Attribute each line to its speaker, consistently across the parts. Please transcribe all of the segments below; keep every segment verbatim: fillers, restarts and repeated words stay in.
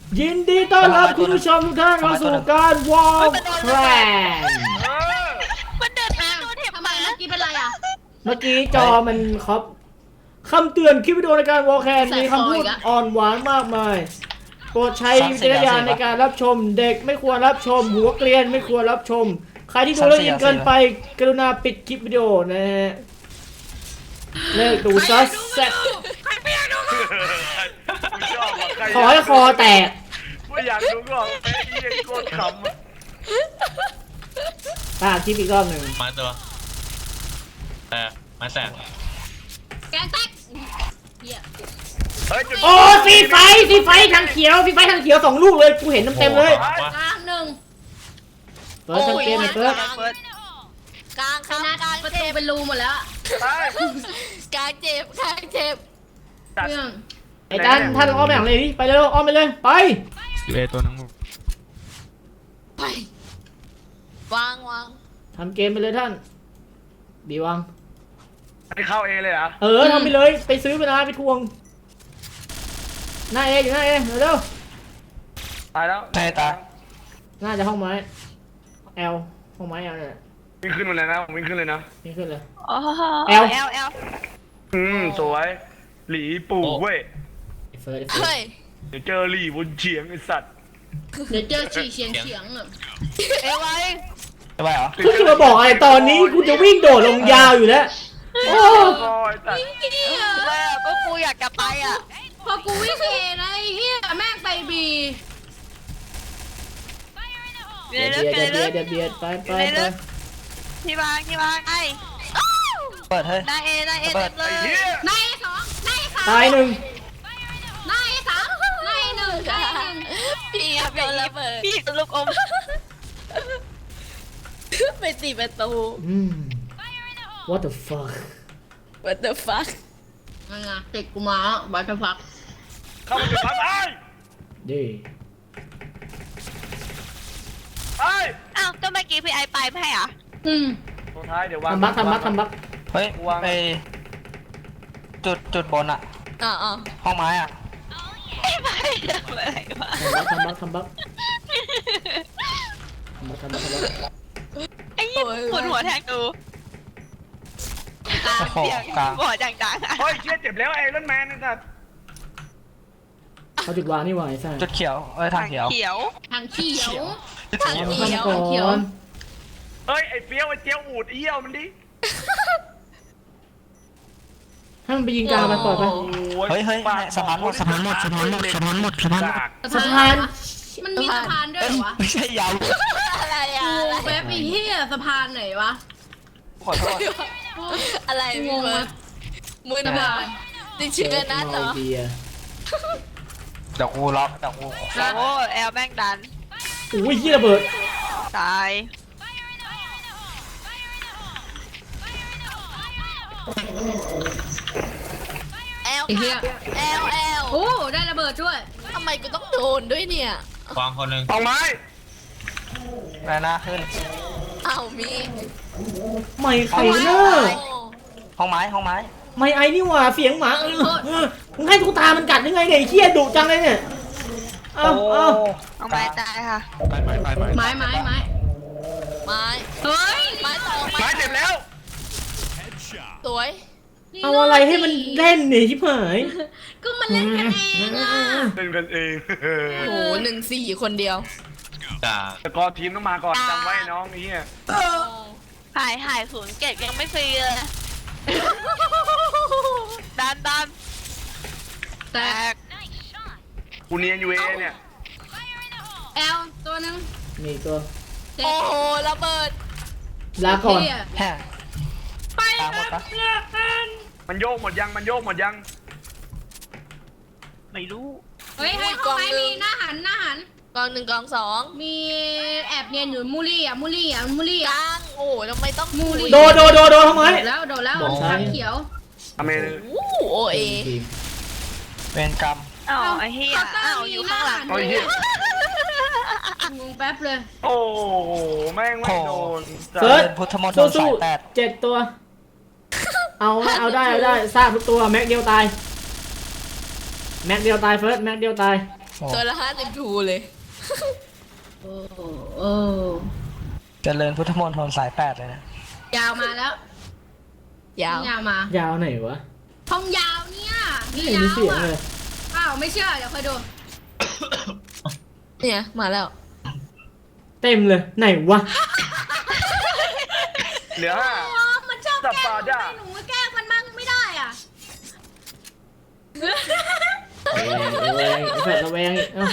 Speaker 1: ยินดีต้อนรับคุณผู้ชมทุกท่านเข้าสู่การวอล์กแคลน
Speaker 2: มันเดินทางโดนเห็บ
Speaker 3: ทำไม
Speaker 2: มา
Speaker 3: เมื่อกี้เป็นไรอ่ะ
Speaker 1: เมื่อกี้จอมันครับคำเตือนคลิปวิดีโอในการวอล์กแคลนมีคำพูดอ่อนหวานมากมายโปรดใช้วิจารณญาณในการรับชมเด็กไม่ควรรับชมหัวเกรียนไม่ควรรับชมใครที่ดูแล้วอินเกินไปกรุณาปิดคลิปวิดีโอนะฮะเลิกดูซัสแซ่บขอให้คอแตก
Speaker 4: ไม่อยากดูก็ไอ้เหี้ยโคตรขำอะ
Speaker 1: ตาคลิปอีกรอบหนึ่ง
Speaker 5: มาตัวเออมาแสบ
Speaker 3: แกงแตกเหี้ย
Speaker 4: เฮ้ยจุด
Speaker 1: โอ้สีไฟสีไฟทางเขียวสีไฟทางเขียวสองลูกเลยกูเห็นเต็มๆเลย
Speaker 5: ว่า
Speaker 3: กลางหนึ่ง
Speaker 1: เปิดทำเกมหน่อยเปิด
Speaker 2: เปิดกลางค
Speaker 3: ช
Speaker 2: รับ
Speaker 3: นะ
Speaker 2: กลาง
Speaker 3: ประ
Speaker 2: เจ็
Speaker 3: ตู
Speaker 2: บ
Speaker 3: เป็นรูหมดแล้ว
Speaker 4: ไป
Speaker 2: กลางเจ็บกลางเจ็บ
Speaker 4: ตัด
Speaker 3: เรื่อง
Speaker 1: ไอ้ท่านท่านอ้อมไปหลังเลยดิไปเร็วอ้อมไปเลยไป
Speaker 5: สิบเอตัวนึง
Speaker 2: ไปวางวาง
Speaker 1: ทำเกมไปเลยท่านบีวัง
Speaker 4: ให้เข้าเอเลยเหรอ
Speaker 1: เออทำไปเลยไปซื้อไปนะไปทวงหน้าเออยู่หน้าเอเร็ว
Speaker 4: ตายแล้ว
Speaker 6: ใช่ตา
Speaker 1: ๆน่าจะห้องไม้แอลห้องไม้แอลเนี่ย
Speaker 4: วิ่งขึ้นมาเลยนะผมวิ่งขึ้นเลยนะ
Speaker 1: นี่ขึ้นเลย
Speaker 2: อ๋อ
Speaker 1: แอล
Speaker 2: แอลแอล
Speaker 4: อืมสวยหลีปู่เว้ย
Speaker 1: ไอ้เฟิร์สไอ้เฟิร์
Speaker 2: เฮ้
Speaker 1: ส
Speaker 2: ย
Speaker 4: เดี๋ยวเจอหลีบนเฉียงไอ้สัตว์
Speaker 3: เดี๋ยวเจอฉี่เฉียงเฉียงอ่ะ
Speaker 2: เอไว้
Speaker 6: จะไปเหรอ
Speaker 1: คุณจะมาบอกอะไรตอนนี้กูจะวิ่งโดดลงยาวอยู่แล้วโอ้
Speaker 4: โอ้ยตัด
Speaker 2: แม่ก็กูอยากจะไปอ่ะ
Speaker 3: พอกูวิ่งเอนะไอ้เหี้ยแม่งไปบี
Speaker 1: เบียดเบียดเบียดเบียดเบียดไปไปไป
Speaker 2: ที่วางที่วางไอ้
Speaker 6: เปิดเฮ้ย
Speaker 2: นายเอนายเอเต็มเล
Speaker 4: ไอ้
Speaker 2: ย
Speaker 4: เหี้ย
Speaker 3: นายสองนายสาม
Speaker 1: ตายหนึ่ง
Speaker 3: นายสามนายหนึ่งนายหนึ่ง
Speaker 2: พี่ครับโดนระเบิดพี่ลูกอมไปตีประตู
Speaker 1: อืม what the fuck
Speaker 2: What the fuck
Speaker 3: นั่นไงติดกูมาบัตรพัก
Speaker 4: เข้ามาจุดพักไอ้
Speaker 1: ดี
Speaker 4: ไอ้
Speaker 2: อ้าวก็เมื่อกี้พี่ไอไปไม่ให้อ่ะ
Speaker 3: อืม
Speaker 4: ตัวท้ายเดี๋ยววาง
Speaker 1: ทำบักทำบักทำบัก
Speaker 6: เฮ้ยไปจุดจุดบนอะ
Speaker 2: อ๋ออ๋อ
Speaker 6: ห้องไม้อะ
Speaker 2: ไม่ไปอะไรวะ
Speaker 1: ทำบักทำบักทำบักทำบักทำบักทำบัก
Speaker 2: ไอ้ยี่ปวดหัวแทงดูเสียงหัวดังๆอ่ะ
Speaker 4: เฮ้ยเชี่ยเจ็บแล้วไอ้รอนแมนไอ้สัตว์
Speaker 1: เขาจุดวางนี่หว่าไอ้สัส
Speaker 6: จุดเขียวเอ้ยทางเขียว
Speaker 2: เขียว
Speaker 3: ทางเขียว
Speaker 2: ทาง
Speaker 1: เอา
Speaker 2: เขียว
Speaker 1: ทำก่อน
Speaker 4: เฮ้ยไอ้เฟี้ยวไอ้เจียวอูดไอ้เหี้ยวมันดิ
Speaker 1: ให้มันไปยิงกลางมันปล่อยไป
Speaker 4: โอ้
Speaker 6: เฮ้ยเฮ้ย
Speaker 4: ปาก
Speaker 6: สะพานหมดสะพานหมดสะพานหมดสะพานหมดสะพานหมด
Speaker 4: จาก
Speaker 1: สะพาน
Speaker 3: มันมีสะพานด้วยเหรอวะ
Speaker 6: ไม่ใช่ยาว
Speaker 2: อะไรอ่ะ
Speaker 3: กูเว็บไอ้เหี้ยสะพานไหนวะ
Speaker 6: ขอโทษ
Speaker 2: อะไร
Speaker 3: ง
Speaker 2: พี่
Speaker 3: ง
Speaker 2: เบิ
Speaker 3: มา
Speaker 2: ร์ดมือนะจริงๆนะเหรอ
Speaker 1: เบียร์
Speaker 6: เดี๋ยวกูล็อกเดี๋ยวกู
Speaker 2: โอ้แอลแม่งดัน
Speaker 1: อุ้ยยี่ระเบิด
Speaker 2: ตายแอล
Speaker 3: ไอ้เหี้ย
Speaker 2: แอลแอล
Speaker 3: โอ้ได้ระเบิดด้วย
Speaker 2: ทำไมกูต้องโดนด้วยเนี่ย
Speaker 5: วางคนหนึ่ง
Speaker 4: เอาไม้
Speaker 6: แม่หน้าขึ้น
Speaker 2: อ้าวมี
Speaker 1: ไม่ใครเนอะ
Speaker 6: ห้องไม้ห้องไม้
Speaker 1: ไม่ไอ้นี่หว่าเสียงหมาเออเออมึงให้ตุ๊กตามันกัดยังไงเนี่ยไอ้เหี้ยดุจังเลยเนี่ยเอาเอา
Speaker 2: เอาไม้ตายค่ะ
Speaker 5: ไปไปไปไป
Speaker 3: ไม้ไม้ไม้
Speaker 2: ไม้
Speaker 3: เฮ้ย
Speaker 2: ไม้สอง
Speaker 4: ไม้เจ็บแล้ว
Speaker 2: สวย
Speaker 1: เอาอะไรให้มันเล่นเนี่ยชิบหาย
Speaker 3: ก็มันเล่นกันเองอ่ะ
Speaker 4: เป็นกันเอง
Speaker 2: โอ้โหหนึ่งสี่คนเดียว
Speaker 5: จ่า
Speaker 4: แต่กอทีมต้องมาก่อนจำไว้น้องไอ้เหี้ย
Speaker 2: หายหายศูนย์เก็บยังไม่ฟรีเลยดันดัน
Speaker 3: แต
Speaker 2: แต
Speaker 3: ก
Speaker 2: ก
Speaker 4: กูเนียนอยู่เอเนี่ย
Speaker 3: แอลตัวหนึง
Speaker 1: นี่ตัว
Speaker 3: เจ็
Speaker 2: โอ้
Speaker 3: บ
Speaker 2: โหระเบิด
Speaker 1: ลาก่อน
Speaker 3: เหี้ย
Speaker 6: แฮ่
Speaker 3: ไป
Speaker 6: ตามหมดปะ
Speaker 4: มันโยกหมดยังมันโยกหมดยัง
Speaker 2: ไม่รู้
Speaker 3: เฮ้ยให้ห้องไม้มีหน้าหันหน้าหัน
Speaker 2: กองหนึ่งกองสอง
Speaker 3: มีแอบเนียนอยู่มูลี่อ่ะมูลี่อ่ะมูลี่
Speaker 2: ก
Speaker 3: อ่ะ
Speaker 2: ลางโอ้โหทำไมต้อง
Speaker 3: มูลี่
Speaker 1: โดดโดดโดดโดดทำไม
Speaker 3: โดดแล้วโดดแล้ว
Speaker 1: โดดใช่
Speaker 3: ทางเขียว
Speaker 4: อเม
Speaker 2: โอ้โหโอเอ
Speaker 6: เวรกรรม
Speaker 2: อ้าวไอ้เหี้ยอ้าวอยู่ข้างหลัง
Speaker 4: โอ้ยเหี้ย
Speaker 3: งงแป๊บเลย
Speaker 4: โอ้โหแม่งไม่โดน
Speaker 1: เฟิร์ส
Speaker 6: พุทธมนตร
Speaker 1: สู้
Speaker 6: สายแปด
Speaker 1: ๆเจ็ดตัว เอาเอาได้เอาได้ทราบทุกตัวแม็กเดียวตายแม็กเดียวตายเฟิร์สแม็กเดียวตาย
Speaker 6: โอ้
Speaker 7: ตัวละห้าสิบทูเลย
Speaker 3: โอ้โอ้
Speaker 6: เจริญพุทธมณฑลสายแปดเลยนะ
Speaker 3: ยาวมาแล้ว
Speaker 7: ยาว
Speaker 3: ยาวมาย
Speaker 1: าวไหนวะ
Speaker 3: ห้องยาวเนี่ย
Speaker 1: ไม่
Speaker 3: มี
Speaker 1: เห็น
Speaker 3: ยา
Speaker 1: มี
Speaker 3: ว
Speaker 1: เสียง
Speaker 3: อ่ะ
Speaker 1: เลย
Speaker 3: อ้าวไม่เชื่อเดี๋ยวคอยดู
Speaker 7: เนี่ยมาแล้ว
Speaker 1: เต็มเลยไหนวะ
Speaker 4: เหลือห้า
Speaker 3: อ๋อมันชอบแกล้ง
Speaker 4: สัปดาห์
Speaker 3: ทำไมหนูแกล้งมันมั่งไม่ได้อ่ะ
Speaker 1: ระแวงไอ้แฟดระแวงอีกเอ้าย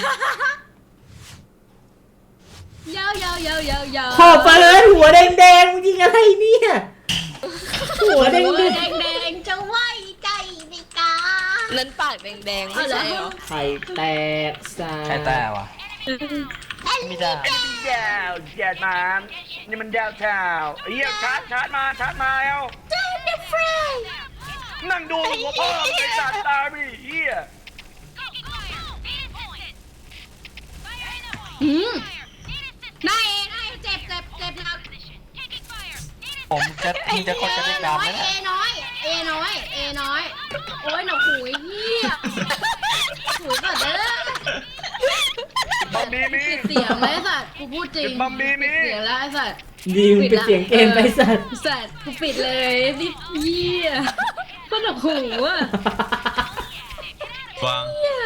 Speaker 3: าวยาวยาวยาวยาว
Speaker 1: ขอบไปเลยหัวแดงๆมึงยิงอะไรเนี่ยหัวแด
Speaker 3: หัว
Speaker 1: ง
Speaker 3: แดงแดงๆจะไหวใจในกา
Speaker 7: นั้นปากแดงๆไม่
Speaker 3: เอาเหรอ
Speaker 7: ใช่เหรอ
Speaker 1: ๆไข่แตกสา
Speaker 6: ใครแต่วะไม่ได้
Speaker 4: ยาวแยดมานี่มันยาวเท้าไอ้เหี้ยชาร์จชาร์จมาชาร์จมาเอา
Speaker 3: เจนเดฟราย
Speaker 4: นั่งดูหัวพ่อไอ้สัตว์ตาบีเหี้ย
Speaker 3: อืมนายเองนายเจ็บเจ็บเจ็บหนัก
Speaker 6: ผมจะมึงจะกดกระ
Speaker 3: เอ
Speaker 6: ดิ่ง
Speaker 3: น้อ
Speaker 6: ดำไหม
Speaker 3: ย
Speaker 6: เนี่
Speaker 3: เอย น้อยเอน้อยเอน้อยโอ้ยหนูหูยเฮียหูยก่อนเด้อ
Speaker 4: บัมบีมี
Speaker 3: ปิดเสียงเลยไอ้สัตว์กูพูดจริง
Speaker 4: ปิดบัมบี้มี
Speaker 3: ปิดเสียงแล้วไอ้สัตว์
Speaker 1: ดีมึงเป็นเสียงเกมไปสัตว์
Speaker 3: สัตว์กูปิดเลยนี่เฮียก็หนูหูอ่ะ
Speaker 5: วาง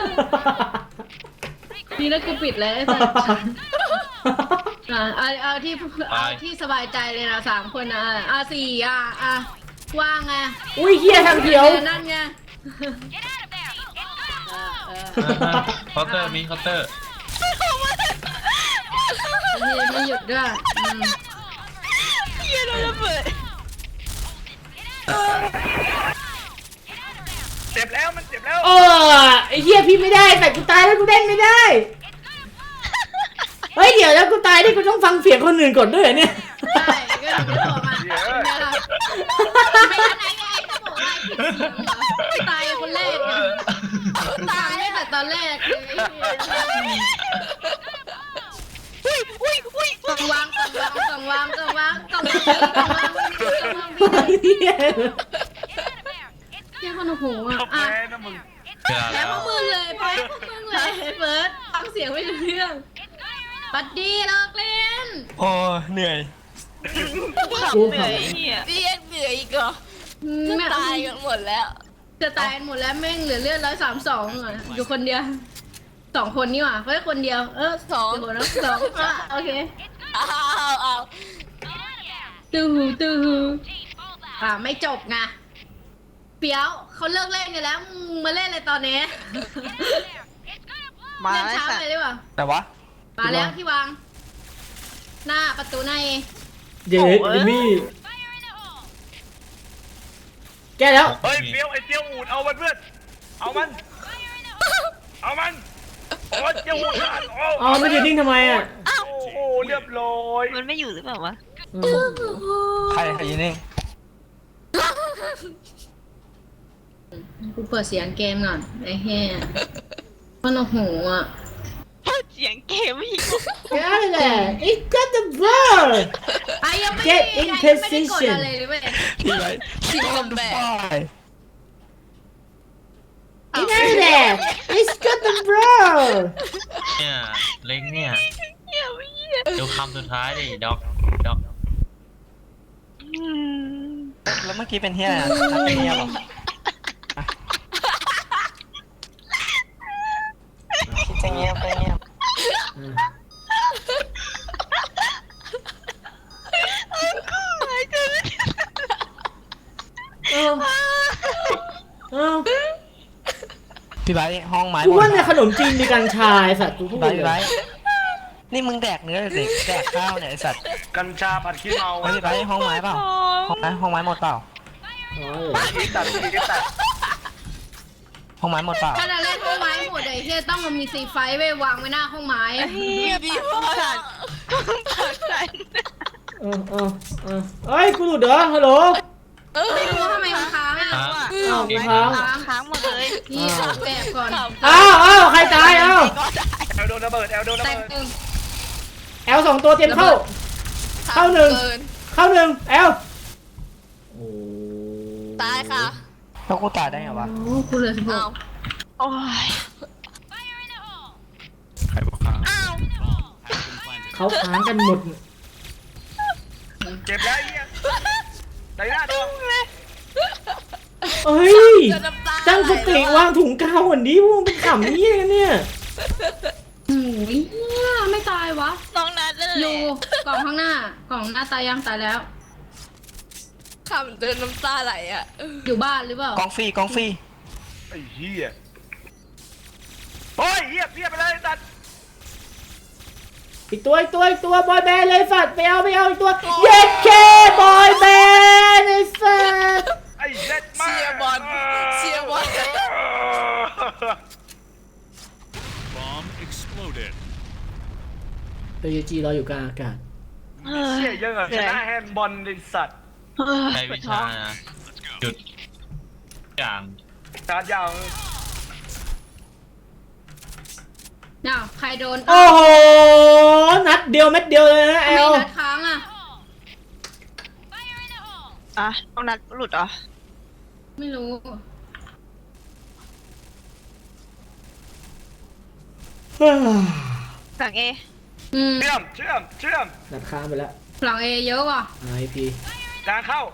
Speaker 3: นี่แล้วกูปิดเลยไอ้สัตว์อ่ะเอาเอาที่เอาที่สบายใจเลยนะสามคนนะอ่ะสี่อ่ะอ่ะว่างไง
Speaker 1: อุ้ยเฮียทางเขียว
Speaker 3: นั่นไงเออเออ
Speaker 5: เคาน์เตอร์มีเคาน์เตอร์
Speaker 3: ไม่ไม่หยุดด้วยอืม
Speaker 7: เฮียโดนระเบิด
Speaker 4: เจ็บแล้วมันเจ็บแล้ว
Speaker 1: เออไอ้เฮียพี่ไม่ได้แต่กูตายแล้วกูเล่นไม่ได้เฮ้ยเดี๋ยวแล้วกูตายนี่กูต้องฟังเสียงคนอื่นก่อนด้วยเหรอเนี่ย
Speaker 3: ใช่ก็ถึงจะบอกมาเป็นไงล่ะไม่ทันไหนไงถ้าบอกว่าผิดเสียงเหรอตายคนแรกไงตายตั้งแต่ตอนแรกเลย
Speaker 7: อุ้ยอุ้ยอุ้ย
Speaker 3: ต้องวางต้องวางต้องวางต้องวางต้องวางต้องวางต้องวาง
Speaker 1: เฮีย
Speaker 3: เจ้าคนหูอ่ะ
Speaker 4: ก็
Speaker 3: อ่ะ
Speaker 4: แพ้นะมึง
Speaker 5: เวลา
Speaker 3: แล้
Speaker 5: แล้ว ว
Speaker 3: พวกมึงเลยแพ้พวกมึงเลยเฟิร์สฟังเสียงไม่รู้เรื่องปัดดีเลิกเล่น
Speaker 6: โอ้เหนื่อย
Speaker 1: กู
Speaker 2: เหนื่อยเหี้ย
Speaker 7: พี่ยังเหนื่อยอีกเหรอ
Speaker 3: จะ
Speaker 7: จะตายกันหมดแล้ว
Speaker 3: จะตายหมดแล้วแม่งเหลือเลือดร้อยสามสองอยู่คนเดียวสองคนนี่หว่าเฮ้ยคนเดียวเออ
Speaker 7: สอง
Speaker 3: เดี๋ยวนะสองอ่ะโอเค
Speaker 7: อ้าวอ้าว
Speaker 3: ตื้อหูตื้อหูอ่าไม่จบไงเปียวเขาเลิกเล่นกันแล้วมึงมาเล่นอะไรตอนนี้
Speaker 2: มา
Speaker 3: เล่น
Speaker 2: ไอ้
Speaker 3: ช้า
Speaker 2: สัต
Speaker 3: ไป
Speaker 2: ว์
Speaker 3: หรือเปล่า
Speaker 6: แต่วะ
Speaker 3: มาแล้วที่วาง หน้าประตูหน้าเอ
Speaker 1: เย็ดดิมี่แกแล้ว
Speaker 4: เฮ้ยเฟี้ยวไอ้เจียวอูดเอามันเพื่อนเอามันเอามันโอ้เจียวอูดขาดโอ้
Speaker 1: อ๋อมันอยู่นิ่งทำไมอ่ะ
Speaker 4: โอ้โหเรียบร้อย
Speaker 2: มันไม่อยู่หรือเปล่าวะ
Speaker 1: อืม
Speaker 6: ใครใครอยินนี่
Speaker 3: กูเปิดเสียงเกมก่อนไอ้แห่มันโอ้โหอ่ะ
Speaker 2: เสียงเกมอีก
Speaker 1: Get out of there It's got the ball
Speaker 3: ไอ้ยังไม่
Speaker 1: Get
Speaker 3: ได้
Speaker 1: in
Speaker 3: ยังไม่ได้กด
Speaker 1: position
Speaker 3: อะไรเลยเว้ย
Speaker 6: พี่ไร
Speaker 7: ทีมคอมแบท
Speaker 1: Get out of there It's got the ball
Speaker 5: เนี่ยเล็งเนี่ย
Speaker 2: เหี้ยไม่เหี้ย
Speaker 5: ดูคำสุดท้ายดิด็อกด็อก
Speaker 2: อืม
Speaker 6: แล้วเมื่อกี้เป็นเฮียอะไรนักเป็นเฮียเหรอคิดจะเงียบไปเงียบ
Speaker 1: เอ้าเอ้า
Speaker 6: พี่ไบร์ทห้องไม้
Speaker 1: กู
Speaker 6: หมด
Speaker 1: ว่าในขนมจีนมีกัญชาไอ้สัตว์กูพู
Speaker 6: พี่
Speaker 1: ด
Speaker 6: ไบร์ท
Speaker 1: เล
Speaker 6: พี่ไบร์
Speaker 1: ย
Speaker 6: ทนี่มึงแดกเนื้อหรือเด็กแดกข้าวเนี่ยไอสัตว์
Speaker 4: กัญชาผัดขี้เมา
Speaker 6: เฮ้ยพี่ไบร์ทห้องไม้เปล่าห้องไม้ห้องไม้หมดเปล่า
Speaker 1: อ๋อเหรอ
Speaker 4: อีตัดอีตัด
Speaker 6: ห้องไม้หมดเปล่า
Speaker 3: ถ้าจะเล่นห้องไม้หมดไอ้เฮียต้องมันมีซีไฟไว้วางไว้หน้าห้องไม้
Speaker 2: เหี้ยพี่พ่อสัตว์ปากสัน
Speaker 1: เออเออเออเอ้ยกูหลุดเหรอฮัลโหล
Speaker 3: ไม่รู้ทำไมมันค้างอ่ะ
Speaker 5: ฮะ
Speaker 1: อ้าวกูค้าง
Speaker 3: ค้าง
Speaker 2: ค้างหมดเลย
Speaker 3: นี่ออกแบบก่อน
Speaker 1: อ้าวอ้าวใครตายอ้าว
Speaker 4: แอลโดนระเบิดแอลโดนระ
Speaker 3: แต่
Speaker 4: เบิด
Speaker 3: หนึ่ง
Speaker 1: แอลสองตัวเตรียมเข้า เข้าหนึ่ง เข้าหนึ่งแอลโอ้
Speaker 7: ตายค่ะ
Speaker 6: แล้วกูตายได้ไงวะ
Speaker 3: โอ้กูเหลือสิบห
Speaker 7: เอา
Speaker 3: ก
Speaker 2: โอ้ย
Speaker 1: เขาค้างกันหมด
Speaker 4: เจ็บแล้วไอ้เหี้ยใส่หน้าตัว
Speaker 1: เอ้ย
Speaker 7: จะน้ำตา
Speaker 1: ตั้งสติ
Speaker 7: ไหลแล้วอะ
Speaker 1: วางถุงกาวก่อนดิพวกมึงเป็นขำนี่กันเนี่ย
Speaker 3: โอ้ยเหี้ยไม่ตายวะ
Speaker 7: น้องนัดนั่นแห
Speaker 3: อ
Speaker 7: ละ
Speaker 3: ยู่กล่องข้างหน้ากล่องหน้าตายยังตายแล้ว
Speaker 7: คำเดินน้ำตาไหลอ่ะ
Speaker 3: อยู่บ้านหรือเปล่าก
Speaker 6: องฟรีกองฟรี
Speaker 4: ไอ้เหี้ยโอ้ยเหี้ยเพี้ยไปเลยไอ้สัตว์
Speaker 1: อีกตัวอีกตัวอีกตัวบอยแบนด์เลยสัตว์ไปเอาไปเอาอีกตัวเย็ดเคบอยแบนด์ไอ้สัตว์
Speaker 4: ไอ้เล็ดมาก
Speaker 7: เชียร์บอลเชียร์บอล
Speaker 8: Bomb exploded.
Speaker 1: เอยูจีเราอยู่กลางอากาศ
Speaker 4: เชี่ยเยอะอะชนะแฮนด์บอลไอ้สัตว์
Speaker 5: ใช้วิชานะหยุดอย่าง
Speaker 4: ชาร์จยาว
Speaker 3: น่าวใครโดน
Speaker 1: โอ้โหนัดเดียวเม็ดเดียวเลยนะแอ
Speaker 3: ไม่
Speaker 1: ล
Speaker 3: นัดค้างอ่ะ
Speaker 2: อ่ะต้องนัดหลุดเหรอ
Speaker 3: ไม่รู้
Speaker 2: หลังเอ
Speaker 3: อืม
Speaker 4: เชื่อมเชื่อมเชื่อม
Speaker 1: นัดค้างไปแล้ว
Speaker 3: หลังเอเยอะว่ะ
Speaker 1: ไอพี
Speaker 4: กลางเข้า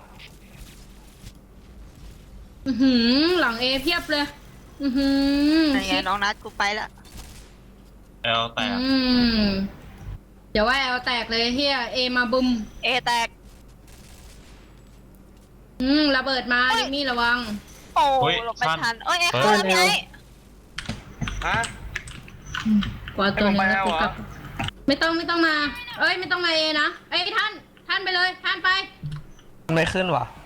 Speaker 3: อือหือหลังเอเพียบเลย อือหือ
Speaker 2: ไหนไงน้องนัดกูไปละ
Speaker 5: แอลแตก
Speaker 3: อืมเดี๋ยวว่าเอาแตกเลยเฮียเอมาบุม
Speaker 2: เอแตก
Speaker 3: อืมระเบิดมาดิมี่ระวัง
Speaker 2: โอ้หลบไม่ทันเอ้ยเอเข้าแล้วไง
Speaker 4: ฮะ
Speaker 3: กว่าตัวหนึง
Speaker 4: ให้
Speaker 3: แล้ว
Speaker 4: ผม
Speaker 3: กู
Speaker 4: ไป
Speaker 3: กลับ ไม่ต้องไม่ต้องมา เอ้ยไม่ต้องมาเอนะเอ้ยท่าน ท่านไปเลย ท่านไป
Speaker 6: มันไม่ขึ้นว่ะ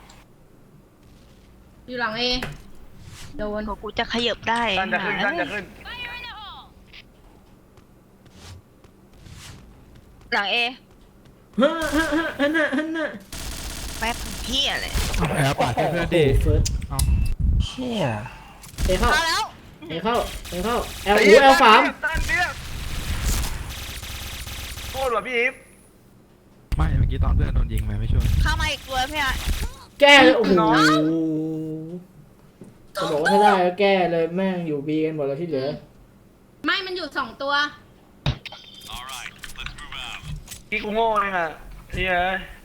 Speaker 3: อยู่หลังเอโดน
Speaker 2: โหกูจะขยับได้
Speaker 4: ท่านจะขึ้นท่านจะขึ้น
Speaker 2: หลังเอ
Speaker 1: ฮ่าฮ่าฮ่าฮันน่ะฮันน่ะ
Speaker 2: แป๊บเฮียเลย
Speaker 8: แอบปาดให้เพื่อน
Speaker 1: เด
Speaker 8: ดิ
Speaker 1: เฟิร์ส
Speaker 6: เชี่ย
Speaker 1: เอเข้า
Speaker 2: เข้าแล้ว
Speaker 1: เอเข้าเอเข้าแอลอูแอลสาม
Speaker 4: ตั้นเบี้ยโคตรว่ะพี่อีฟ
Speaker 8: ไม่เมื่อกี้ตอนเพื่อนโดนยิงไปไม่ช่วย
Speaker 2: เข้ามาอีกตัวพี่อ่ะ
Speaker 1: แก้เลยโอ้โหจะบอกว่าถ้าได้ก็แก้เลยแม่งอยู่บีกันหมดแล้วที่เหลือ
Speaker 3: ไม่มันอยู่สองตัว
Speaker 4: พี่กูโง่เลยค่ะเฮีย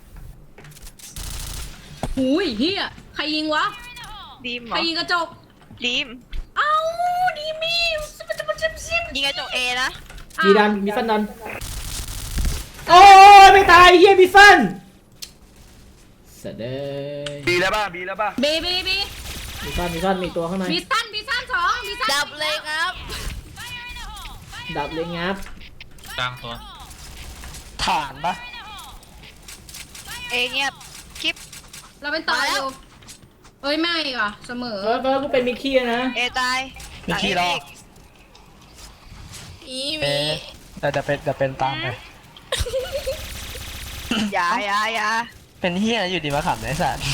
Speaker 3: หูยเฮียใครยิงวะ
Speaker 2: ดีมเห
Speaker 3: ใค
Speaker 2: ร
Speaker 3: ร
Speaker 2: อ
Speaker 3: ยิงกระจก
Speaker 2: ดีม
Speaker 3: เอ้าดีมีซิบซิบซิบซิบ
Speaker 2: ยิงกระจกเอนะ
Speaker 1: บีดันบีฟันดันโอ้ยไม่ตายเฮียบีฟันเสด็
Speaker 4: บีแล้วป่ะบีแล้วป่ะ
Speaker 3: บีบีบี
Speaker 1: บีฟันบีฟันมีตัวข้างใน
Speaker 3: บีสั้นบีสั้นสองบีสั้น
Speaker 7: ดับเลยครับ
Speaker 1: ดับเลยงับ
Speaker 5: กลางตัว
Speaker 6: ฐานปะ
Speaker 2: เอเงียบคลิป
Speaker 3: เราเป็นต่ออยู่เอ้ยไม่ว่ะเสมอ
Speaker 1: เออเออกูเป็นมิกกี้นะ
Speaker 2: เอตาย
Speaker 6: มีขี้รอ
Speaker 7: อี
Speaker 6: เอ๊
Speaker 7: มี
Speaker 6: ะแต่จะเป็นจะเป็นตามไป
Speaker 2: อย่าอย่าอย่า
Speaker 6: เป็นเฮียอยู่ดีมาขำไอ้สัตว์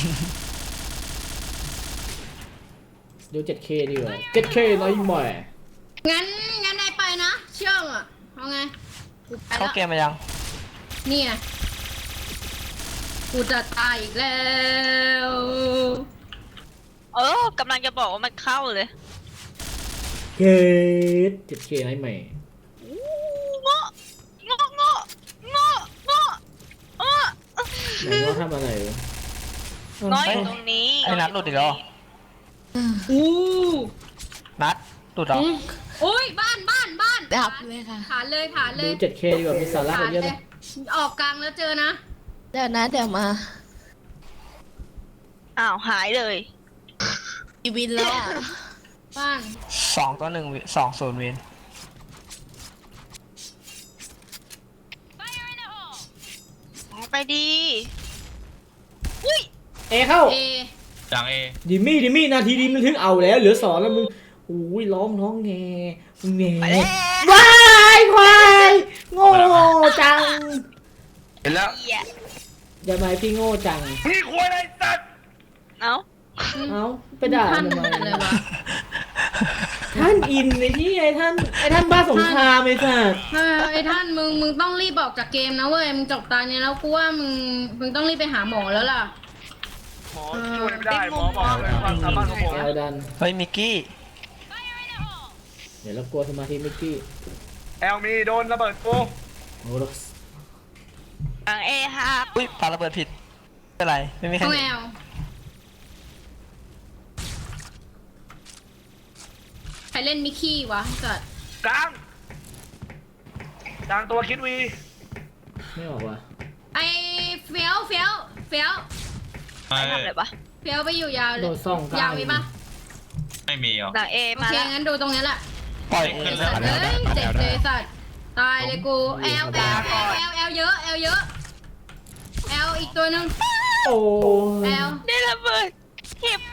Speaker 1: เดี๋ยว เจ็ดเค ดีกว่า เจ็ดเค น้อยหม่อย
Speaker 3: งั้นงั้นนายไปนะ เชื่องอ่ะเอาไงกูไป
Speaker 6: เข้า
Speaker 3: แล้ว
Speaker 6: เกมมายัง
Speaker 3: นี่ไงกูจะตายอีกแล้ว
Speaker 2: เออกำลังจะบอกว่ามันเข้าเลย
Speaker 1: เกต เจ็ดเค น้อยใหม่
Speaker 2: เงาะเงาะเงาะเงาะเงาะเออ
Speaker 1: ไหนว่าทำอะไรวะ
Speaker 2: น้อยอยู่ตรงนี้
Speaker 6: ไอ้นัดหลุดอีกแล้วเหรอ
Speaker 3: อู้
Speaker 6: นัดหลุดเหรอ
Speaker 3: โอ้ยบ้านบ้านบ้าน
Speaker 7: ดับเลยค่ะ
Speaker 3: ฐานเลยฐานเล
Speaker 1: ดู
Speaker 3: ย
Speaker 1: เจ็ดเค ดีกว่า มีสาระกว่าเยอะเลย
Speaker 3: ออกกลางแล้วเจอนะ
Speaker 7: เดี๋ยวนะเดี๋ยวมา
Speaker 2: อ้าวหายเลย
Speaker 7: อีวินแล้วอ่ะ
Speaker 3: บ้าน
Speaker 6: สองต่อหนึ่งวิสองศูนย์วิน
Speaker 2: ไปดีอุ้ย
Speaker 1: เอเข้า
Speaker 3: เอ
Speaker 5: กลางเอ
Speaker 1: ดิมี่ดิมี่นาทีดีมันถึงเอาแล้ว เหลือสองแล้วมึงอุ้ยร้องร้องแงแง
Speaker 2: ไปแล้ว
Speaker 1: วายควายโง่จัง
Speaker 4: เห็นแล้ว
Speaker 2: เหี้ย
Speaker 1: อย่ามาให้พี่โง่จัง
Speaker 4: พี่ควรไอ้สัตว์
Speaker 2: เอ้า
Speaker 1: เอ้าไปด่า
Speaker 3: ท่าน
Speaker 1: ทำไม
Speaker 3: เลยวะ
Speaker 1: ท่านอินไอ้ที่ไอ้ท่านไอ้ท่านบ้าสงครามไอ้สัส
Speaker 3: เออไอ้ท่านมึงมึงต้องรีบออกจากเกมนะเว้ยมึงจบตาเนี่ยแล้วกูว่ามึงมึงต้องรีบไปหาหมอแล้วล่ะ
Speaker 4: หมอช่วยไม่ได้หมอบอกเลยความสามารถของผม
Speaker 1: แอลดัน
Speaker 6: เฮ้ยมิกกี้
Speaker 1: เดี๋ยวเรากลัวสมาธิมิกกี้
Speaker 4: แอลมีโดนระเบิดกู
Speaker 1: โอ้โห
Speaker 2: หลังเอครับ
Speaker 6: อุ้ยปาระเบิดผิดไม่เป็นไรไม่มีใคร
Speaker 3: ห้อง
Speaker 6: เห็
Speaker 3: แอน ลใครเล่นมิกกี้วะสัตว์
Speaker 4: กลางกลางตัวคิดวี
Speaker 1: ไม่ออกว่ะ
Speaker 3: ไอเฟี้ยวเฟี้ยวเฟี้ยว
Speaker 5: ไม่
Speaker 2: ไปทำอะไรปะ
Speaker 3: เฟี้ยวไปอยู่ยาวเล
Speaker 1: โด
Speaker 3: ย
Speaker 1: ดส่องกลาง
Speaker 3: ยาวมีปะ
Speaker 5: ไม่มีหรอ
Speaker 2: หลังเอ
Speaker 3: โอ
Speaker 2: มา
Speaker 3: เค
Speaker 2: แล้ว
Speaker 3: งั้นดูตรงนี้แหละ
Speaker 6: ปล่อย
Speaker 5: ขึ้น
Speaker 3: สัตว์เอ้ยเจ็บเลยสัตว์ตายเลยกูแอลแอลแอลแอลแอลเยอะแอลเยอะแอลอีกตัวหนึ่ง
Speaker 1: โอ้
Speaker 3: แอล
Speaker 2: ได้ระเบิดเห็บ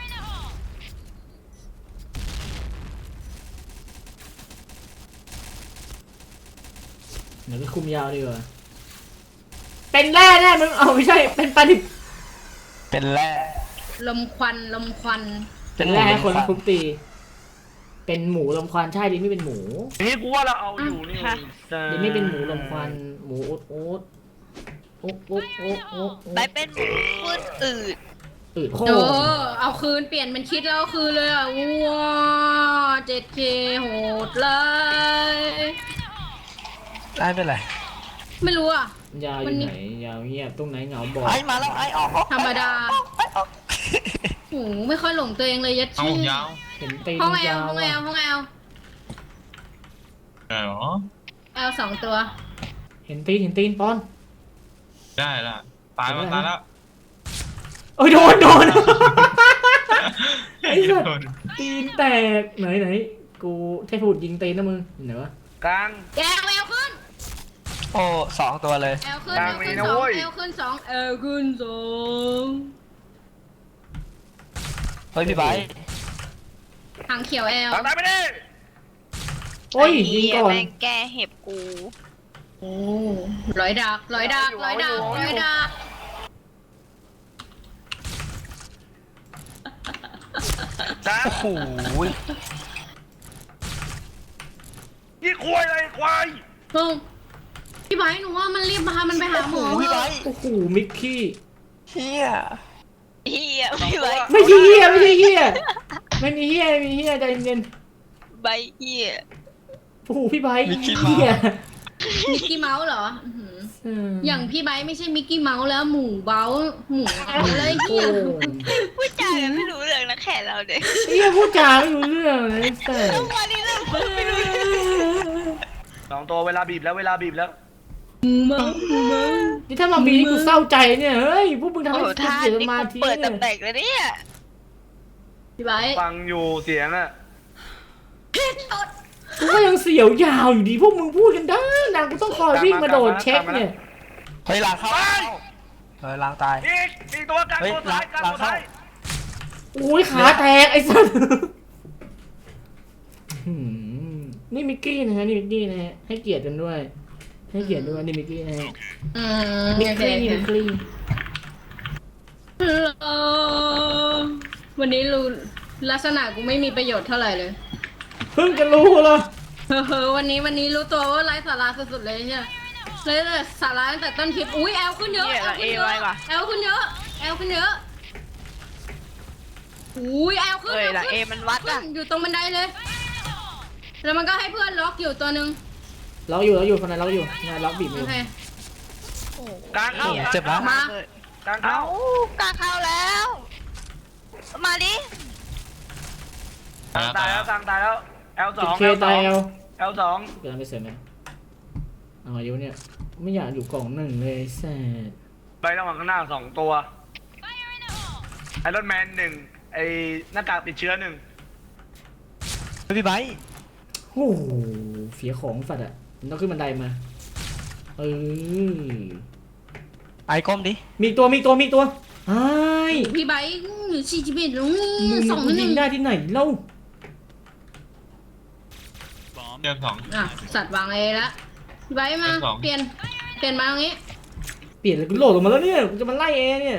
Speaker 1: เดี๋ยวไปคุมยาวดีกว่าเป็นแร่แน่มึงเอาไม่ใช่เป็นปลาดิบ
Speaker 6: เป็นแร่
Speaker 3: ลมควันลมควัน
Speaker 1: เป็นแร่ให้คนทุบตี เป็นหมูลมควันใช่ดิไม่เป็นหมู
Speaker 4: นี่กูว่าเราเอาอยู่นี่
Speaker 1: ดิไม่เป็นหมูลมควันหมูอุดอุดอุดอุดอุดอุด
Speaker 2: ไปเป็นหมูพูดอืด
Speaker 1: อืดโค
Speaker 3: โอ้เอาคืนเปลี่ยนเป็นคิดแล้วเอาคืนเลยอ่ะว้าเจ็ดเคโหดเลย
Speaker 6: ไอ้เป็นไร
Speaker 3: ไม่รู้อ่ะ
Speaker 1: ยาวอยู่ไหนยาวเงียบตรงไหนเหงาบอก
Speaker 6: ไอ้มาแล้วไอ้ออกออก
Speaker 3: ธรรมดา
Speaker 6: ไอ้ออก
Speaker 3: โหไม่ค่อยหลงตัวเองเลยยัด
Speaker 5: เอา
Speaker 3: ชื่อย
Speaker 5: าว
Speaker 1: เห็นตีน
Speaker 3: ห้องแอล
Speaker 1: ยาว
Speaker 3: ห้องแอล
Speaker 1: อะ
Speaker 3: ห้องแอล
Speaker 5: เออ
Speaker 3: แอลสองตัว
Speaker 1: เห็นตีนเห็นตีนปอน
Speaker 5: ได้ละตายแล้วตายแล้ว
Speaker 1: โอ้ยโดนโดน ไอ้สัส
Speaker 5: โดน
Speaker 1: ตีนแตกไหนไหนกูเทพบุตรยิงตีนนะมึงเห็นไหนวะ
Speaker 4: กลาง
Speaker 3: แอลแอลขึ้น
Speaker 6: โอ้สองตัวเลย
Speaker 3: แอลขึ้น
Speaker 4: ก
Speaker 3: แอ
Speaker 4: ลาง
Speaker 3: ล
Speaker 4: มี
Speaker 3: ขึ้น
Speaker 4: นะ
Speaker 3: สอง
Speaker 4: เว้ย
Speaker 3: แอลขึ้นสองแอลขึ้นสอง
Speaker 6: เฮ้ยพี่ไบร์ท
Speaker 3: ทางเขียวแอล
Speaker 4: ทางตายไปดิ
Speaker 1: โอ้ยยิงก่อน
Speaker 2: แม่งแก้เห็บกู
Speaker 3: โอ้ร้อยดักร้อยดักร้อยดักร้อยดัก
Speaker 4: กลาง
Speaker 6: โอ้โห
Speaker 4: นี่ควายอะไรควาย
Speaker 3: เฮ้ยพี่ไบร์ทหนูว่ามันรีบพามันไปหาหมอ
Speaker 6: พี่ไบร์ท
Speaker 1: โอ้โหมิกกี้
Speaker 6: เฮีย
Speaker 2: เฮียไม่ไหว
Speaker 1: ไม่ใช่เฮียไม่ใช่เฮียไม่มีเฮียไม่มีเฮียใจเย็น
Speaker 2: ใบเฮีย
Speaker 1: ๆโอ้โหพี่ไบร์ทเฮีย
Speaker 3: มิกกี้เมาส์เหรออื้อหือ
Speaker 1: เออ
Speaker 3: อย่างพี่ไบร์ทไม่ใช่มิกกี้เมาส์แล้วหมูเบ้าหมูอะไร
Speaker 1: โอ้
Speaker 3: เหี้ย
Speaker 2: พูดจากันไม่รู้เรื่องนะแค่เราเด็ก
Speaker 1: เฮียพูดจาไม่รู้เรื่องเลยแต่
Speaker 2: ทุกวันนี้เราพูดไม่รู้เรื่อง
Speaker 4: สองตัวเวลาบีบแล้วเวลาบีบแล้ว
Speaker 3: หมูเมาส์หมูเมาส์
Speaker 1: นี่ถ้ามาบีนี่กูเศร้าใจเนี่ยเฮ้ยพวกมึงทำ
Speaker 2: โอ้
Speaker 1: ให้
Speaker 2: โห
Speaker 1: กู
Speaker 2: ท่า
Speaker 1: เสียส
Speaker 2: นี่
Speaker 1: มา
Speaker 2: กู
Speaker 1: ธิ
Speaker 2: เปิด
Speaker 1: เนี่ย
Speaker 2: ตำแหน่งเลยเนี่ย
Speaker 3: พี่ไบร์ท
Speaker 4: ฟังอยู่เสียงอะ
Speaker 1: กูก็ยังเสียวยาวอยู่ดีพวกมึงพูดกันได้นะกูต้องคอยวิ่งมาโดดเช็คเนี่ย
Speaker 6: เฮ้ยล้างเข้าเฮ้ยล้างตาย
Speaker 4: อีกอีกตัวกลาง
Speaker 6: เฮ้ย
Speaker 4: ตัวท้ายกลาง
Speaker 6: หลัง
Speaker 4: ตัวท้าย
Speaker 1: โอ้ยขาแตกไอ้สัสหืมนี่มิกกี้นะฮะนี่มิกกี้นะฮะให้เกียรติกันด้วย ให้เกียรติด้วยนี่มิกกี้นะฮะ
Speaker 3: อืม
Speaker 1: มิก
Speaker 3: โอเค
Speaker 1: กี้มิกกี้
Speaker 3: เออวันนี้รู้ลักษณะกูไม่มีประโยชน์เท่าไหร่เลย
Speaker 1: เพิ่งจะรู้เหรอ
Speaker 3: เฮ้อวันนี้วันนี้รู้ตัวว่าไร้สาระสุดๆเลยเนี่ยเลยแต่สาระตั้งแต่ต้นคลิปอุ้ยแอลขึ้นเยอะ
Speaker 2: เหี้ย
Speaker 3: แอลขึ้นเย
Speaker 2: เอไว้
Speaker 3: อะ
Speaker 2: ว่ะ
Speaker 3: แอลขึ้นเยอะแอลขึ้นเยอะอุ้ยแอลขึ้น
Speaker 2: เฮ้ย
Speaker 3: แอล
Speaker 2: หลังเอ
Speaker 3: ขึ้น
Speaker 2: มันวัด
Speaker 3: ขึ้
Speaker 2: อ่ะ
Speaker 3: นอยู่ตรงบันไดเลย แล้วมันก็ให้เพื่อนล็อกอยู่ตัวหนึ่ง
Speaker 1: เราอยู่เราอยู่คนนั้นเราอยู่นายล็อกบีบอ
Speaker 3: โอยู่ เค
Speaker 4: กลางเข้า
Speaker 6: เจ็บแล้ว
Speaker 3: มา
Speaker 4: กลาง
Speaker 2: เอ้า
Speaker 4: เข้าก
Speaker 2: ล้าเข้าแล้ว มาดิ
Speaker 4: กลางตายแล้วกลางตายแล้ว L ส
Speaker 1: ติ
Speaker 4: อ
Speaker 1: ด
Speaker 4: ง
Speaker 1: เคตายเอล
Speaker 4: L สอง
Speaker 1: เกิดอะไรเสร็จไหมเอาอายุเนี่ยไม่อยากอยู่กล่องหนึ่งเลยแซ่ด
Speaker 4: ไประหว่างข้างหน้าสองตัวไอรอนแมนหนึ่งไอหน้ากากติดเชื้อหนึ่ง
Speaker 6: เฮ้ยพี่ไบร์ท
Speaker 1: โอ้โหเสียของสัตว์อ่ะมันต้องขึ้นบันไดมาเออ
Speaker 6: ไอ้ก้มดิ
Speaker 1: มีอีกตัวมีอีกตัวมีอีกตัวไอ้
Speaker 3: พี่ไบค์หรือสี่สิบเอ็ดลุง
Speaker 1: มึง
Speaker 3: สอง
Speaker 1: มึง
Speaker 3: ห
Speaker 1: ยิ
Speaker 3: นึ่
Speaker 1: ง
Speaker 3: ง
Speaker 1: ได้ที่ไหนเล่า
Speaker 5: เดือนสอง
Speaker 3: อ่ะสัตว์วางเอละพี่ไบค์มา
Speaker 5: สอง
Speaker 3: เปลี่ยนเปลี่ยนมาตรงนี้
Speaker 1: เปลี่ยนเลยกูโหลดออกมาแล้วเนี่ยกูจะมาไล่เอเนี่ย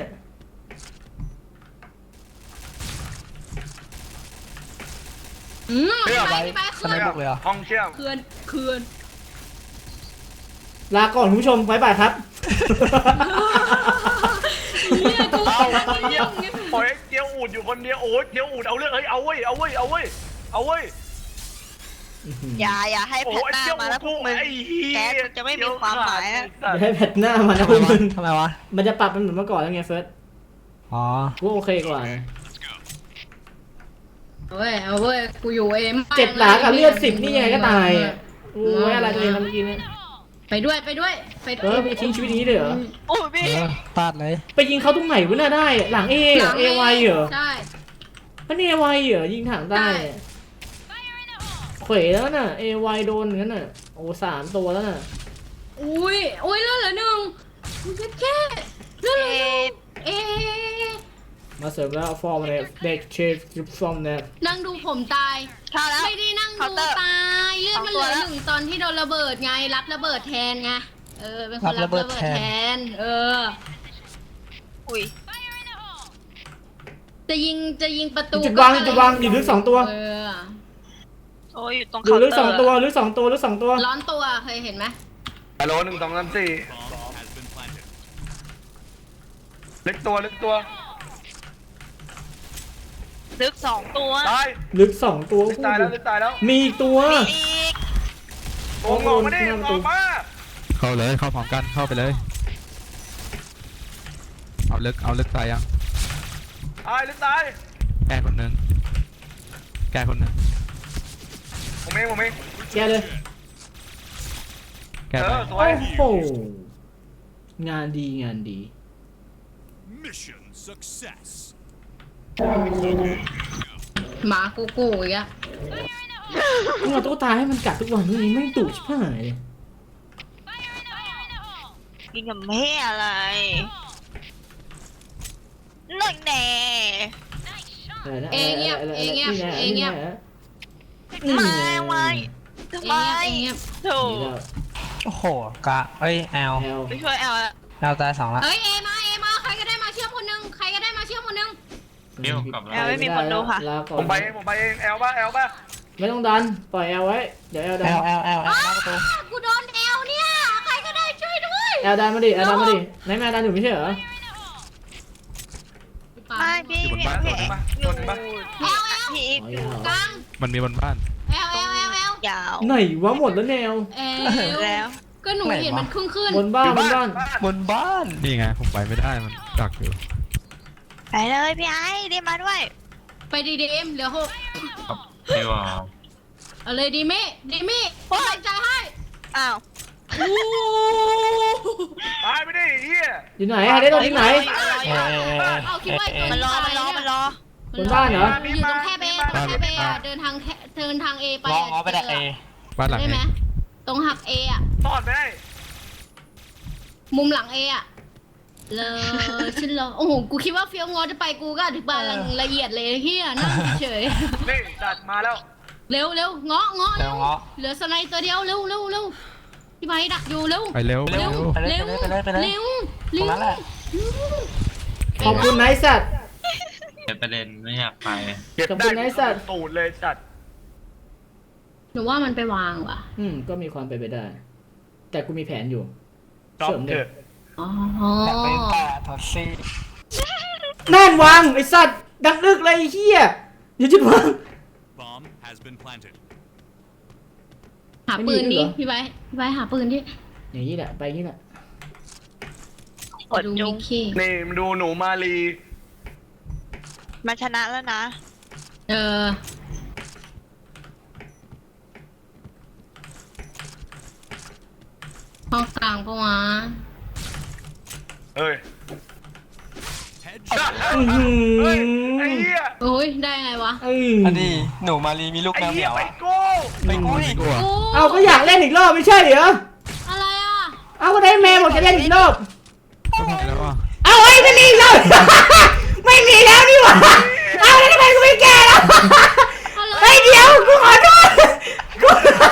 Speaker 3: อืมพี่ไบค์พี่ไบค์
Speaker 6: ส
Speaker 3: เคลื่
Speaker 6: ไน
Speaker 3: อน
Speaker 6: บุกเลยเหรอ
Speaker 4: ห้องเชื่อม
Speaker 3: เคลื่อนเคลื่อน
Speaker 1: ลาก่อนคุณผู้ชมบ๊ายบายครับ
Speaker 3: เนี่ยกู
Speaker 4: เอาเยี่ยมโอ้ยเจียวอูดอยู่คนเดียวโอ้ยเจียวอูดเอาเรื่องเฮ้ยเอาเว้ยเอาเว้ยเอาเว้ยเอาเว้ย
Speaker 2: อย่าอย่าให้
Speaker 4: โอ้
Speaker 2: แพท
Speaker 4: ไอ้
Speaker 2: หน้า
Speaker 4: เจ้า
Speaker 2: มาแล้วพวกมึง
Speaker 4: ไอ้เหี้ย
Speaker 2: แก๊สมันจะไม่มีความหมายอะ
Speaker 1: อย่าให้แพทหน้ามันนะพวกมึง
Speaker 6: ทำไมวะ
Speaker 1: มันจะปรับมันเหมือนเมื่อก่อนแล้วไงเฟิร์ส
Speaker 6: อ๋อ
Speaker 1: กูโอเคกว่านะ
Speaker 3: เอาเว้ยเอาเว้ยกูอยู่เอ็ม
Speaker 1: เจ็ดหลากับเลือดสิบนี่ยังไงก็ตายอ่ะโอ้ยอะไรตัวเองทำเมื่อกี้เนี่ย
Speaker 3: ไปด้วยไปด้วยไป
Speaker 1: เออไปทิ้งชีวิตนี้เลยเหรอ
Speaker 2: โอ้ยพี่
Speaker 6: เออพลาดเลย
Speaker 1: ไปยิงเขาตรงไหนวะน่าได้หลังเอเหรอเอไวเหรอ
Speaker 3: ใช่
Speaker 1: อันนี้เอไวเหรอยิงถังได้เขวแล้วน่ะเอไวโดนงั้นน่ะโอ้สามตัวแล้วน่ะ
Speaker 3: อุ้ยอุ้ยเลือดเหลือหนึ่งมึงจะแค่เลือดเหลือหนึ่งเอ๊ะ
Speaker 1: มาเสริมแล้วฟอร์มเลยเด็กเชฟจุดฟอร์มเนี่ย
Speaker 3: นั่งดูผมตาย
Speaker 2: เข้าแล้ว
Speaker 3: ไม่ได้นั่ง
Speaker 2: เคาน์เต
Speaker 3: ดู
Speaker 2: อร์
Speaker 3: ตายเลือดมันเหลือ
Speaker 2: สองตัวแล้ว
Speaker 3: หนึ่งตอนที่โดนระเบิดไงรับระเบิดแทนไงเออเป็นคนรับระเบิดแทน เออ
Speaker 2: อุ้ย
Speaker 3: จะยิงจะยิงประตู
Speaker 1: จุดวางจุดวางอยู่ลึกสองตัว
Speaker 3: เออ
Speaker 2: โอ้ยอยู่ตรง
Speaker 1: อยู่
Speaker 2: เคาน์
Speaker 1: ลึก
Speaker 2: เต
Speaker 1: ส
Speaker 2: อ
Speaker 1: อง
Speaker 2: ร์
Speaker 1: ตัวลึกสองตัวลึกสองตัว
Speaker 3: ร้อนตัวเคยเห็นไหม
Speaker 4: ฮัลโหลหนึ่งสองสามสี่
Speaker 8: Bomb has been planted.
Speaker 4: เล็กตัวเล็กตัว
Speaker 2: ลึกสองตัว
Speaker 4: ตาย
Speaker 1: ลึกสองตัว
Speaker 4: เล็กตายแล้วเล็กตายแล้ว
Speaker 1: มีอีกตัว
Speaker 2: มีอีก
Speaker 4: โอ้งอกมาดิงอกมา
Speaker 8: เข้าเลยเข้าพร้อมกันเข้าไปเลย เอาลึกเอาลึกตายยัง
Speaker 4: ตายเล็กตาย
Speaker 8: แก้คนหนึงแก้คนหนึง
Speaker 4: ผมเองผมเอง
Speaker 1: แกเลย
Speaker 8: แก้
Speaker 4: เอ
Speaker 8: ไป
Speaker 4: อสว
Speaker 1: โอ้
Speaker 4: ย
Speaker 1: โหงานดีงานดี
Speaker 8: Mission success.
Speaker 3: หมากูกูอีกอะ
Speaker 1: มึงเอาตุ๊กตาให้มันกัดทุกวันนี่ไม่งดุชิบหายเลย
Speaker 2: กินกับแม่อะไรนั่นแน่
Speaker 1: อะไรนะ
Speaker 3: เอเงียบเอเงียบเอเงียบ
Speaker 2: ไม่ไม่ทำ
Speaker 3: เอ
Speaker 2: ไม
Speaker 3: เงียบเอเงียบ
Speaker 2: โถู
Speaker 1: นี่
Speaker 2: ก
Speaker 1: แล้ว
Speaker 6: โอ้โหกะเอ้ยแอล
Speaker 1: แอล
Speaker 2: ไปช่วยแอลอะ
Speaker 6: แอลตายสองละ
Speaker 3: เฮ้ยเอมาเอมาใครก็ได้มาเชื่อมคนหนึงใครก็ได้มาเชื่อมคนหนึง
Speaker 5: เดี๋ยวกลับ
Speaker 2: แอ
Speaker 5: แล้ว
Speaker 2: ลไม่มีคนดูค่ะ
Speaker 1: ลาก่อ
Speaker 4: ผ
Speaker 1: น
Speaker 4: มไปเองผมไปเองแอลป่ะแอลป่ะ
Speaker 1: ไม่ต้องดันปล่อยแอลไว้เดี๋ยวแอลดั
Speaker 6: แอน ลแอลแอลแอลหน้าประตู
Speaker 3: กูโดนเอลเนี่ยใครก็ได้ช่วยด้วย
Speaker 1: แอลดันมาดิแอลดันมาดิไหนแม่ดันอยู่ไม่ใช่เหรอ
Speaker 2: ไม่พี่
Speaker 8: อยู่บน
Speaker 2: พี่
Speaker 8: บ้าน
Speaker 2: พี่
Speaker 8: ตัวหนึง
Speaker 2: อยู่
Speaker 4: ตัวหนึ่งป่ะ
Speaker 3: เอลเอล
Speaker 2: พี่อีกอยู่
Speaker 3: กลาง
Speaker 8: มันมีบนบ้าน
Speaker 3: เอลเอลเอลเอล
Speaker 2: ยาว
Speaker 1: ไหนวะหมดแล้วแนว
Speaker 3: เอ
Speaker 2: แล้ว
Speaker 3: ก็หนูเห็นมันขึ้นขึ้น
Speaker 1: บนบ้านบนบ้าน
Speaker 6: บนบ้าน
Speaker 8: นี่ไงผมไปไม่ได้มันดักอยู่
Speaker 2: ไปเลยพี่ไอ้เรียกมาด้วย
Speaker 3: ไปดีดีเอ็มเหลือหก
Speaker 5: เดี๋ยวอ่ะ
Speaker 3: เอาเลยดีมี่ดีมี่เป็นกำลังใจให้
Speaker 2: อ้าว
Speaker 4: ตายไปดิเฮีย
Speaker 1: อยู่ไหนฮะได้ตัวที่ไหน
Speaker 6: เอเอเอเอ
Speaker 3: เอาคิดว่าตัว
Speaker 2: มันรอมันรอมันรอบ
Speaker 1: นบ้านเหรอ
Speaker 3: อยู่ตรงแค่เบตรงแค่เบอะเดินทางแค่เดินทางเอไป
Speaker 6: งอ
Speaker 3: อะ
Speaker 6: งอไปดักเอ
Speaker 8: บ้านหลัง
Speaker 3: ได้ไหม
Speaker 8: นี้
Speaker 3: ตรงหักเออะ
Speaker 4: ตอดไปได้
Speaker 3: มุมหลังเออะเลยฉันรอโอ้โหกูคิดว่าเฟี้ยวงอจะไปกูก็อธิบายละเอียดเลยเฮียนั่งเฉย
Speaker 4: นี่จัดมาแล้ว
Speaker 3: เร็วเร็วเงาะเงาะ
Speaker 6: แอลเงาะ
Speaker 3: เหลือสไนตัวเดียวเร็วเร็วเร็วพี่ไม้ดักอยู่เร็ว
Speaker 8: ไปเร็วไป
Speaker 3: เร็
Speaker 8: เร็
Speaker 3: ว
Speaker 8: ว
Speaker 6: ไปเลย
Speaker 3: เร็ว
Speaker 6: ไปเลยไปเลยไปเลย
Speaker 3: เร็ว
Speaker 6: ตรงนั้นแหละ
Speaker 1: ขอบคุณไนท์สัตว์
Speaker 5: เป็นประเด็นไม่อยากไป
Speaker 4: เก็บ
Speaker 1: ขอบ
Speaker 4: ได้
Speaker 1: คุณไอ้สัตว์
Speaker 4: ตูดเลยจัด
Speaker 3: หนูว่ามันไปวางว่ะ
Speaker 1: อืมก็มีความเป็นไปได้ แต่กูมีแผนอยู่
Speaker 4: จอบ
Speaker 1: เสริม
Speaker 4: เถ
Speaker 1: เด็
Speaker 4: อะ
Speaker 3: อ๋อ
Speaker 6: แต่ไปแปะทอดซี่
Speaker 1: นั่นวางไอสัตว์ดักลึกเลยไอ้เฮียอย่าจุดวาง
Speaker 8: Bomb has been planted.
Speaker 3: หาปืน
Speaker 1: ไม่มี
Speaker 3: ดิ
Speaker 1: ด้วยเหรอ
Speaker 3: พี่ไบร์ทพี่ไบร์ทหาปืนดิ
Speaker 1: อย่างนี้แหละไปอย่างนี้แหละ
Speaker 2: กด
Speaker 3: ดู
Speaker 2: จุ
Speaker 3: มิ
Speaker 2: ง
Speaker 3: กกี้
Speaker 4: นี่มาดูหนูมาลี
Speaker 2: มันชนะแล้วนะ
Speaker 3: เออห้องกลางปะวะ
Speaker 4: เอ้ย
Speaker 8: Headshot.
Speaker 1: อื้อหื
Speaker 4: เฮ้ย
Speaker 1: อ
Speaker 4: ไอ้เหี้ย
Speaker 3: โอ้ยได้ไงวะ
Speaker 1: เอ้ย
Speaker 6: อันนี้หนูมารีมีลูก
Speaker 4: ไอ้
Speaker 6: แมวเห
Speaker 4: เหี้
Speaker 6: มี
Speaker 4: ย
Speaker 6: ยว
Speaker 4: ไป
Speaker 6: อะ
Speaker 4: โก้
Speaker 6: ไปกู้ดิ
Speaker 8: กลัว
Speaker 3: กู
Speaker 1: เอาก็อยากเล่นอีกรอบไม่ใช่เหรอ
Speaker 3: อะไรอ่ะ
Speaker 1: เอาก็ได้แม่บอกจะเล่นอีกรอบ
Speaker 8: ก็พอแล้วอ่ะ
Speaker 1: เอาไอ้ไม่มีอีกรอบ ไม่มีแล้วนี่หว่าเอาแล้วทำไมกูไม่แก่แล้วไอ้ยเดี๋ยวกูขอโทษกู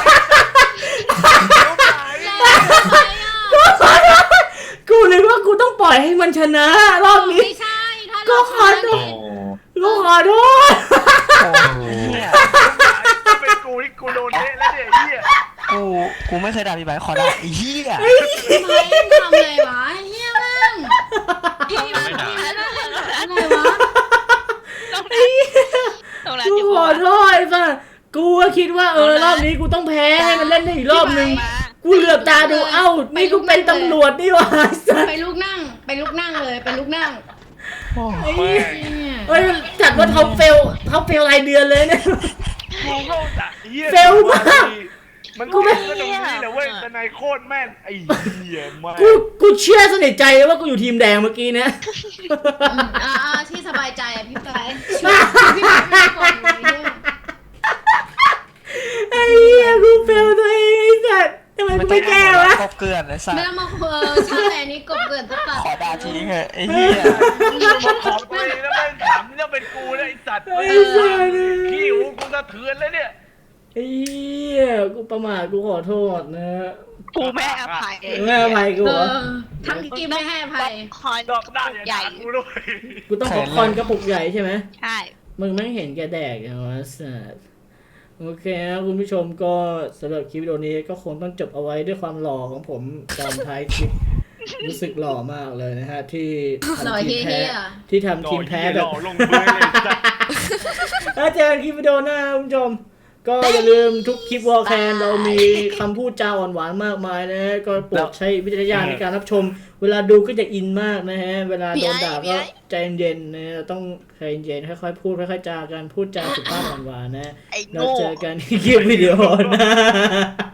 Speaker 3: แล้วทำไมอ่ะ
Speaker 1: กูขอโทษกูนึกว่ากูต้องปล่อยให้มันชนะรอบนี้
Speaker 3: ไม่ใช่ถ้า
Speaker 1: ก็
Speaker 3: เรา
Speaker 1: ขอโท
Speaker 5: โอ้
Speaker 1: ษ กูขอโทษ
Speaker 6: โอ้โหเนี่ย
Speaker 4: ถ้าเป็นกูนี่กูโดนเละแล้วเนี่ยไอ้เหี้ย
Speaker 6: กูกูไม่เคยด่าพี่ไบร์ทขอด่าไอ้เหี้ย
Speaker 3: ทำไมทำอะไรวะเฮียแม่ง
Speaker 5: ไม่ด่า
Speaker 3: อะไรวะ
Speaker 2: ตรงนั้นตรงนั้น
Speaker 1: กู
Speaker 2: อยู่
Speaker 1: ขอ
Speaker 2: วะ
Speaker 1: โทษไอ้สัสกูก็คิดว่าเออรอบนี้กูต้องแพ้ให้มันเล่นได้อีกรอบนึงกูเหลือบตาดูเอ้านี่กูเป็นตำรวจนี่หว่าสัส
Speaker 3: ไปลูกนั่ง ไปลูกนั่งเลย ไปลูกนั่ง
Speaker 1: ไอ้เหี้ยเฮ้ยจัดว่าท็อปเฟลท็อปเฟลรายเดือนเลยเนี่ย
Speaker 4: กูก็จะเหี้ย
Speaker 1: เฟลมาก
Speaker 4: มันก็ไม่ก็ตรงนี้แหละเว้ยแต่นายโคตรแม่นไอ้เหี้ยมาก
Speaker 1: กูกูเชื่อสนิทใจเลยว่ากูอยู่ทีมแดงเมื่อกี้เนี่ย
Speaker 3: อ่าที่สบายใจอ่ะพี่ไปช่วยพี่ไปก่อนเลย
Speaker 1: ไอ้เหี้ยกูเฟลตัวเองไอ้สัสทำไมกูไม่แก้วะ
Speaker 6: ครบเกลือนไอ้สัส
Speaker 3: ไม่ต้องมาเออชาแอนนี้กบเกินตะปัด
Speaker 6: ขอด่าทิ้งเหอะไอ้เหี้ย
Speaker 4: มันขอตัวเองแล้วมันถามนี่เป็นกูนะไอ้สัตว์
Speaker 1: ไอ้สัส
Speaker 4: ขี้หูกูสะเทือนเลยเนี่ย
Speaker 1: ไอ้เหี้ยกูประมาทกูขอโทษนะ
Speaker 2: กูไม่อภัย
Speaker 1: แม่อภัยกู
Speaker 3: เอ
Speaker 1: เหรอ
Speaker 3: อทั้งกีไม่ให้อภัย
Speaker 2: คอย
Speaker 4: ดอกได้อย่า
Speaker 2: ใหญ่
Speaker 4: ด่ากูด้วย
Speaker 1: กูต้องป๊อปคอร์นกระปุกใหญ่ใช่ไหม
Speaker 2: ใช่
Speaker 1: มึงไม่เห็นแกแดกอย่างวะสัสโอเคนะคุณผู้ชมก็สำหรับคลิปวิดีโอนี้ก็คงต้องจบเอาไว้ด้วยความหล่อของผมตอนท้ายคลิป รู้สึกหล่อมากเลยนะฮะที่
Speaker 3: หล่อ
Speaker 1: ทำทีม
Speaker 3: เท่
Speaker 1: แพ้
Speaker 3: ๆอ่ะ
Speaker 1: ที่ทำทีมแพ้แบบ
Speaker 4: หล่อลงเบื้องเลยสัตว์
Speaker 1: ถ้าเจอกันคลิปวิดีโอหน้าคุณผู้ชม ก็อย่าลืมทุกคลิปวอลแคนเรามีคำพูดจาอ่อนหวานมากมายนะฮะก็โปรดใช้วิจารณญาณในการรับชม เวลาดูก็จะอินมากนะฮะเวลาโดนด่าก็ใจเย็นๆนะฮะต้องใจเย็นค่อยๆพูดค่อยๆจากันพูดจาสุภาพหวานๆนะ
Speaker 2: ไอ้
Speaker 1: เรา
Speaker 2: โง่
Speaker 1: เจอกันที่คลิปวิดีโอหนะ